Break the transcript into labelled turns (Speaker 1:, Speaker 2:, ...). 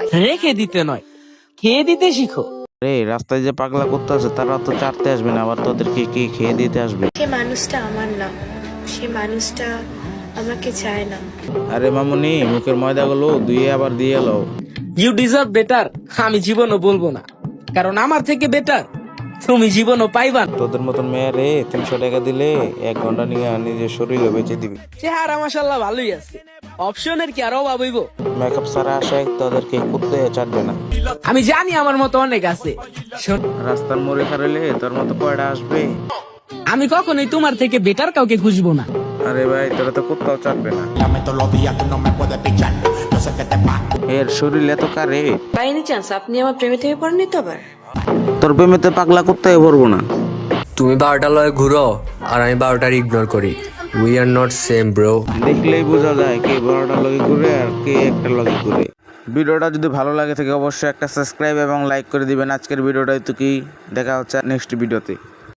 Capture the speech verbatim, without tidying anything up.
Speaker 1: রেখে দিতে নয়, খেয়ে দিতে শিখো।
Speaker 2: রে রাস্তায় যে পাগলা করতে আছে তারা তো চাটতে আসবে না, আবার তোদেরকে কি খেয়ে দিতে আসবে?
Speaker 3: সে মানুষটা আমার না, সে মানুষটা আমাকে চায় না।
Speaker 2: আরে মামুনি, মুখের ময়দাগুলো ধুয়ে আবার দিয়ে এলো।
Speaker 1: You deserve better. আমি জীবনও বলবো না, কারণ আমার থেকে বেটার তুমি জীবনও পাইবা না।
Speaker 2: তোদের মতন মেয়েরে তিনশো টাকা দিলে এক ঘন্টা নিয়ে নিজের শরীরে বেঁচে দিবি।
Speaker 1: চেহারা মাশাআল্লাহ ভালোই আছে, অপশনের কি আর অভাব হইব?
Speaker 2: মেকআপ সারা আসে তোদেরকে কুত্তে চাটবে না।
Speaker 1: আমি জানি আমার মতো অনেক আছে। শোন,
Speaker 2: রাস্তার মোড়ে খারাইলে তোর মতো কয়টা আসবে?
Speaker 1: আমি কখনোই তোমার থেকে বেটার কাউকে খুঁজবো না।
Speaker 2: আরে ভাই, তোরা তো কুত্তাও চাটবে না।
Speaker 4: Dame todos los días, tú no me puedes pichar. Yo sé que te pasa.
Speaker 2: এর শরীর এত কারে,
Speaker 5: বাই এনি চান্স আপনি আমার প্রেমে থেকে পড়েননি তো আবার?
Speaker 2: তোর প্রেমেতে পাগলা কুত্তায় ভরবো না।
Speaker 6: তুমি বারোটা লয় ঘুরো আর আমি বারোটার ইগনোর করি। We are not same bro.
Speaker 2: দেখলেই বোঝা যায় কে বারোটা লগে ঘুরে আর কে একটা লগে ঘুরে। ভিডিওটা যদি ভালো লাগে থাকে অবশ্যই একটা সাবস্ক্রাইব এবং লাইক করে দিবেন। আজকের ভিডিওটাই তো কি, দেখা হচ্ছে নেক্সট ভিডিওতে।